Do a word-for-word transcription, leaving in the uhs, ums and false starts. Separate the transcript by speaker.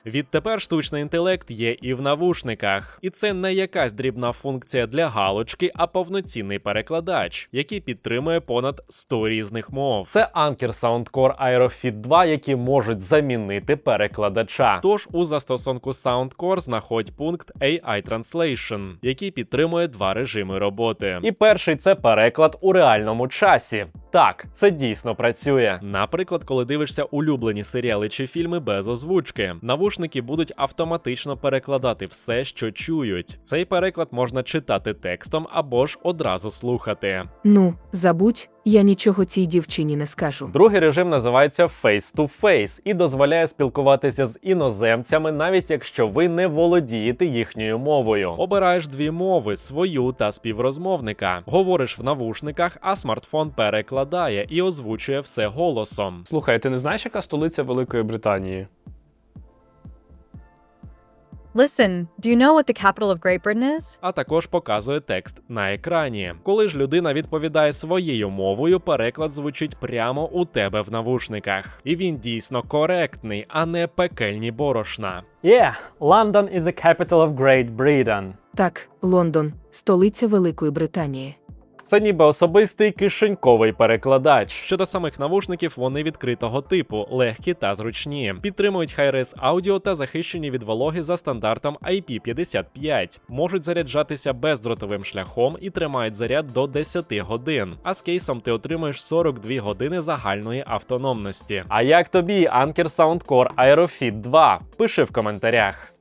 Speaker 1: Відтепер штучний інтелект є і в навушниках. І це не якась дрібна функція для галочки, а повноцінний перекладач, який підтримує понад сто різних мов. Це Anker Soundcore AeroFit два, які можуть замінити перекладача. Тож у застосунку Soundcore знаходь пункт ей ай Translation, який підтримує два режими роботи. І перший – це переклад у реальному часі. Так, це дійсно працює. Наприклад, коли дивишся улюблені серіали чи фільми без озвучки, навушники будуть автоматично перекладати все, що чують. Цей переклад можна читати текстом або ж одразу слухати.
Speaker 2: Ну, забудь, я нічого цій дівчині не скажу.
Speaker 1: Другий режим називається Face-to-Face і дозволяє спілкуватися з іноземцями, навіть якщо ви не володієте їхньою мовою. Обираєш дві мови – свою та співрозмовника. Говориш в навушниках, а смартфон перекладає і озвучує все голосом.
Speaker 3: Слухай, ти не знаєш, яка столиця Великої Британії?
Speaker 4: Listen, do you know what the capital of Great Britain is?
Speaker 1: А також показує текст на екрані. Коли ж людина відповідає своєю мовою, переклад звучить прямо у тебе в навушниках. І він дійсно коректний, а не пекельні борошна.
Speaker 5: Yeah, London is the capital of Great Britain.
Speaker 2: Так, Лондон – столиця Великої Британії.
Speaker 1: Це ніби особистий кишеньковий перекладач. Щодо самих навушників, вони відкритого типу, легкі та зручні. Підтримують Hi-Res аудіо та захищені від вологи за стандартом ай пі п'ятдесят п'ять. Можуть заряджатися бездротовим шляхом і тримають заряд до десяти годин. А з кейсом ти отримаєш сорок дві години загальної автономності. А як тобі Anker Soundcore AeroFit два? Пиши в коментарях.